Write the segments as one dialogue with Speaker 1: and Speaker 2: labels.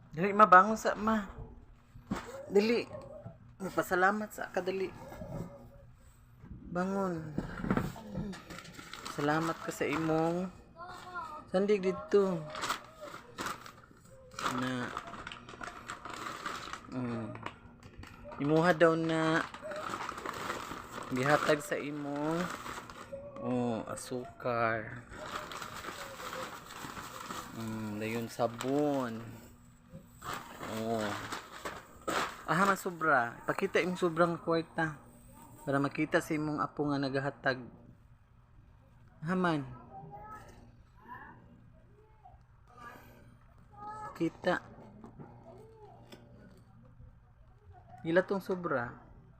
Speaker 1: Dili mabangon sa ma. Dili. Magpasalamat sa kadali. Bangon. Salamat ka sa imong sandig dito. Na imuha daw na gihatag sa imong asukar. Dayon sabon. Man sobra. Pakita yung sobrang kwarta para makita sa imong apo nga nagahatag. Haman. Kita. Ila tong sobra.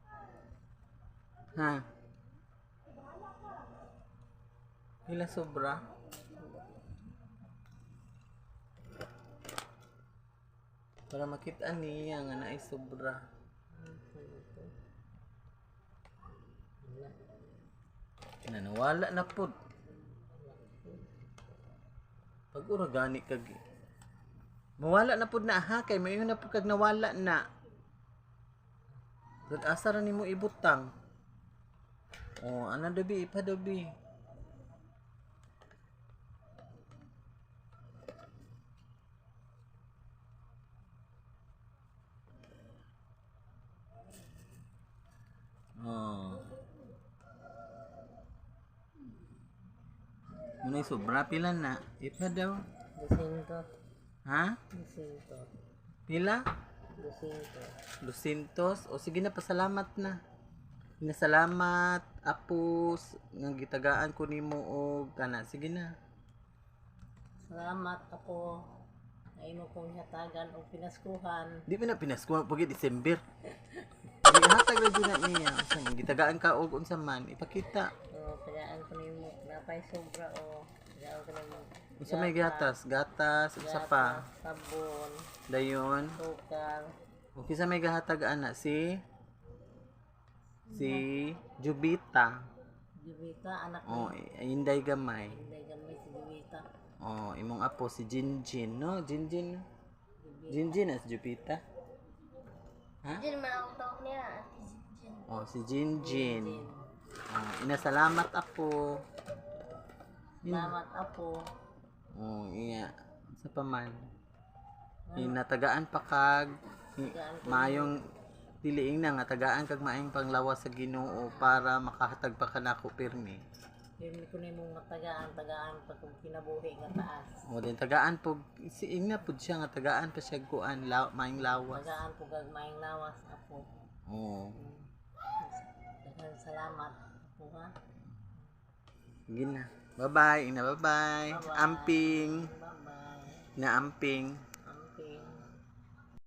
Speaker 1: Ha? Ila sobra? Para makita niya nga naay sobra. Nawala na pod. Pag uragani kag mawala na pod na ha kay mayon na pod kag nawala na. Gud asa ra nimo ibutang. Ana dabi ipadabi. Munay sobra pila na. Ipa daw.
Speaker 2: 200.
Speaker 1: Ha?
Speaker 2: 200.
Speaker 1: Pila?
Speaker 2: 200.
Speaker 1: 200. O sige na, pasalamat na. Nasalamat, apos, nga gitagaan ko nimo og kana. Sige na.
Speaker 2: Salamat ako. Ay mo kong hatagan o pinaskuhan.
Speaker 1: Di mo na pinaskuha pag December. Di hatag na din niya. Sa gitagaan ka og unsa man, ipakita.
Speaker 2: Tagaan ko nimo napay sobra o. Tagaan ko nimo.
Speaker 1: Unsa may gatas, unsa pa?
Speaker 2: Sabon,
Speaker 1: Dayon.
Speaker 2: sukar.
Speaker 1: Okay sa may gahatag ana si Jubita.
Speaker 2: Jubita anak
Speaker 1: Oh, inday gamay.
Speaker 2: Hindi gamay si Jubita.
Speaker 1: Imong apo si Jinjin, no? Jinjin. Jinjin as Jupita. Ha?
Speaker 2: Jin man ang tawag niya, Jin.
Speaker 1: Si Jinjin. Inasalamat apo.
Speaker 2: Salamat ako.
Speaker 1: Iya. Sa paman. Inatagaan pa kag mayong diliing na nga tagaan kag maayong panglawas sa Ginoo para makahatag pa kanako pirmi.
Speaker 2: Pirmi ko nimo nga tagaan pa kung kinabuhi nga taas.
Speaker 1: Din tagaan po siing na pud siya nga tagaan pa siya kuan maayong lawas.
Speaker 2: Tagaan po kag maayong lawas ako. Daghang salamat po ha.
Speaker 1: Sige na. Bye-bye. Bye-bye. Amping.
Speaker 2: Bye-bye.
Speaker 1: Na amping.